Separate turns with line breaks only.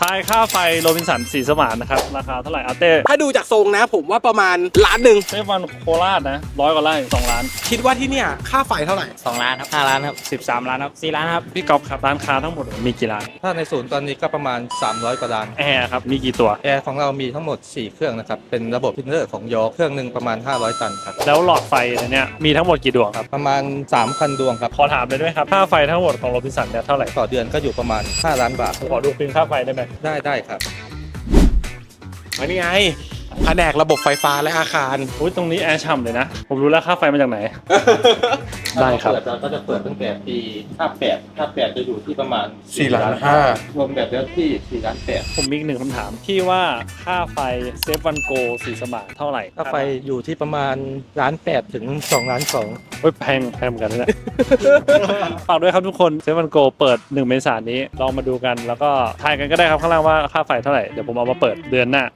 ทายค่าไฟโรบินสันสีสมานนะครับราคาเท่าไหร่อาเต้
ถ้าดูจากทรงนะผมว่าประมาณล้านหนึ่ง
เซฟวันโคราชนะ100 กว่าไร่2 ล้าน
คิดว่าที่เนี่ยค่าไฟเท่าไหร่
2 ล้านครับ5 ล้านครับ13 ล้านครับ4 ล้านครับ
พี่ก๊อฟครับร้านค้าทั้งหมดมีกี่ร้าน
ถ้าในศูนย์ตอนนี้ก็ประมาณ 300 กว่าล้าน
แอร์ครับมีกี่ตัว
แอร์ของเรามีทั้งหมด 4 เครื่องนะครับ เป็นระบบพินเนอร์ของยอเครื่องหนึ่งประมาณ 500 ตันครับ
แล้วหลอดไฟเนี่ยมีทั้งหมดกี่ดวงครับ
ประมาณ 3,000 ดวงครับ
ขอถามเลยได้ไหมครับค่าไฟทั้งหมดของโรบินสันเนี่ยเท่าไหร่
ต่อเดือนก็อยู่ประมาณ 5 ล้านบาท
ขอดูบิลค่าไฟได้ไหม
ได้ครับ
อันนี้ไงแผนกระบบไฟฟ้าและอาคาร
อุ้ยตรงนี้แอร์ฉ่ำเลยนะผมรู้แล้วค่าไฟมาจากไหน ได้ครับ
เราก็จะเปิดตั้งแต่ปี58จะอยู่ที่ประมาณ
4 ล้าน
รวมแบบเนื้อที่4 ล้าน8
ผมมีอีกหนึ่งคำถามที่ว่าค่าไฟเซฟวันโกสีสมานเท่าไหร่
ค่าไฟอยู่ที่ประมาณ1 ล้าน8ถึง2 ล้าน2
เฮ้ยแพงเหมือนกันนะเนี่ย ฝากด้วยครับทุกคนเซฟวันโกเปิด1 เมษายนนี้ลองมาดูกันแล้วก็ทายกันก็ได้ครับข้างล่างว่าค่าไฟเท่าไหร่เดี๋ยวผมเอามาเปิดเดือนหน้า